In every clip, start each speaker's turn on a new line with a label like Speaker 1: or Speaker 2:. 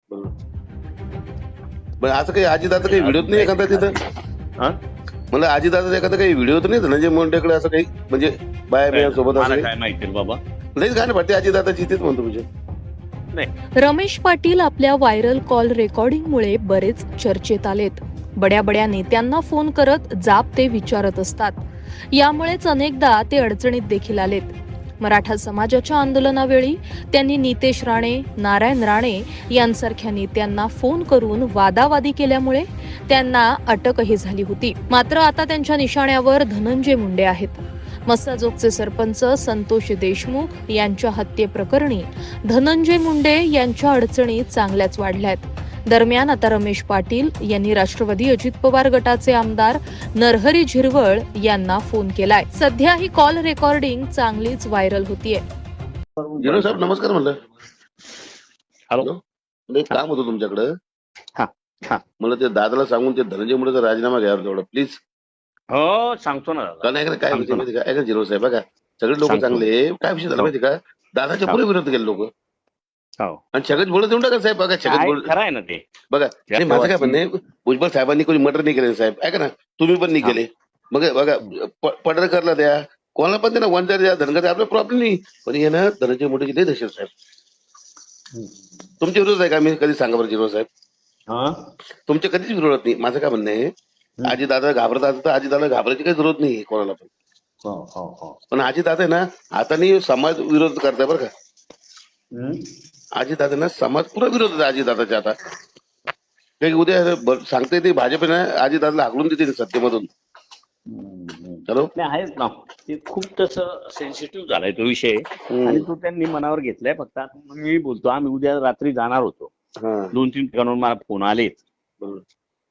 Speaker 1: बरं. पण असं काही अजितदादा काही व्हिडिओत नाही एखादा तिथं?
Speaker 2: हा?
Speaker 1: मला अजितदादा एखादा काही व्हिडिओ तर नाही धनंजय मुंडेकडे असं काही म्हणजे बाया बिया सोबत असं
Speaker 2: मला
Speaker 1: काही?
Speaker 2: काय माहिती रे बाबा.
Speaker 1: लईच गाणं वाटते अजितदादाची तेच म्हणतो म्हणजे.
Speaker 2: नाही
Speaker 3: रमेश पाटील आपल्या व्हायरल कॉल रेकॉर्डिंगमुळे बरेच चर्चेत आलेत. बड्या बड्या नेत्यांना फोन करत जाब ते विचारत असतात. यामुळेच अनेकदा ते अडचणीत देखील आलेत. मराठा समाजाच्या आंदोलनावेळी त्यांनी नितेश राणे, नारायण राणे यांसारख्या नेत्यांना फोन करून वादावादी केल्यामुळे त्यांना अटकही झाली होती. मात्र आता त्यांच्या निशाण्यावर धनंजय मुंडे आहेत. मस्साजोगचे सरपंच संतोष देशमुख यांच्या हत्येप्रकरणी धनंजय मुंडे यांच्या अडचणी चांगल्याच वाढल्यात. दरम्यान आता रमेश पाटील यांनी राष्ट्रवादी अजित पवार गटाचे आमदार नरहरी झिरवळ यांना फोन केलाय. सध्या ही कॉल रेकॉर्डिंग चांगलीच व्हायरल होतीये.
Speaker 1: जिरो साहेब नमस्कार म्हणलं.
Speaker 2: हॅलो.
Speaker 1: मला एक काम होतं तुमच्याकडं.
Speaker 2: हा हा
Speaker 1: मला ते दादाला सांगून ते धनंजय मुंडेचा राजीनामा घ्यावा तेवढा प्लीज.
Speaker 2: हो सांगतो ना दादा.
Speaker 1: कारण ऐका काय विषय
Speaker 2: सांगतो ना.
Speaker 1: माहिती का, ऐका जिरो साहेब बघा सगळे लोक
Speaker 2: सांगतो.
Speaker 1: चांगले. काय विषय झाला
Speaker 2: हो.
Speaker 1: माहिती का, दादाच्या पुढे विरोध केले लोक
Speaker 2: हो
Speaker 1: आणि छगन भुजबळ देऊन टाका साहेब. बघा छगन
Speaker 2: काय
Speaker 1: भुजबळ
Speaker 2: खरं आहे ना ते.
Speaker 1: बघा आणि माझं काय म्हणणं आहे, भुजबळ साहेबांनी कोणी मर्डर नाही केले साहेब. ऐका ना तुम्ही पण नाही
Speaker 2: हा.
Speaker 1: केले. बघा बघा पडळकरला द्या, कोणाला पण द्या ना, वन द्या, धनगर द्या, आपला प्रॉब्लेम नाही. पण हे ना धनंजय मुंडेची लई दहशत साहेब. तुमच्या विरोध आहे का? मी कधी सांगा बरं जिरो साहेब.
Speaker 2: हा?
Speaker 1: तुमच्या कधीच विरोधात नाही. माझं काय म्हणणं आहे, आजीदादा घाबरतात तर आजीदादा घाबरायची काही जरूरत नाही कोणाला पण.
Speaker 2: हो हो हो.
Speaker 1: पण आजीदादा आहे ना आता नाही समाज विरोध करताय बरं का.
Speaker 2: हम्म.
Speaker 1: आजीदादा ना समाज पुरा विरोध आहे आजीदादाच्या आता. काही उद्या सांगता येते भाजप ना आजीदादाला हाकलून देते सत्तेमधून. हॅलो.
Speaker 2: नाही आहेच ना. ते खूप तसं सेन्सिटिव्ह झालाय तो विषय आणि तो त्यांनी मनावर घेतलाय. फक्त आता मी बोलतो आम्ही उद्या रात्री जाणार होतो.
Speaker 1: हा
Speaker 2: 2-3 ठिकाणाहून मला फोन आलेत.
Speaker 1: बरोबर.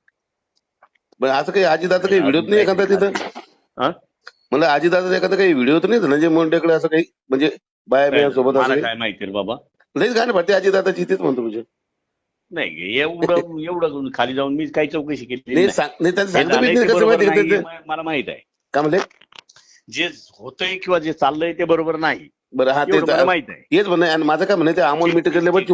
Speaker 1: पण असं काही अजितदादा काही व्हिडिओत नाही एखादा तिथं?
Speaker 2: हा?
Speaker 1: मला अजितदादा एखादा काही व्हिडिओ तर नाही धनंजय मुंडेकडे असं काही म्हणजे बाया बिया सोबत असं
Speaker 2: मला
Speaker 1: काही?
Speaker 2: काय माहिती रे बाबा.
Speaker 1: लईच गाणं वाटते अजितदादाची तेच म्हणतो म्हणजे.
Speaker 2: नाही एवढं खाली जाऊन मी काही चौकशी केली
Speaker 1: नाही
Speaker 2: नाही.
Speaker 1: नाही त्यांचं
Speaker 2: हे
Speaker 1: सांगतो
Speaker 2: झालंय
Speaker 1: मी
Speaker 2: ते
Speaker 1: कसं
Speaker 2: बरोबर
Speaker 1: माहिती
Speaker 2: नाही,
Speaker 1: का
Speaker 2: हे मला माहित आहे.
Speaker 1: काय म्हणले.
Speaker 2: जे होतंय किंवा जे चाललंय ते बरोबर नाही
Speaker 1: बरं हा
Speaker 2: एवढं मला
Speaker 1: ते
Speaker 2: माहित आहे.
Speaker 1: हेच म्हणणं आहे. आणि माझं काय म्हणणं आहे, ते अमोल मिटकरले पण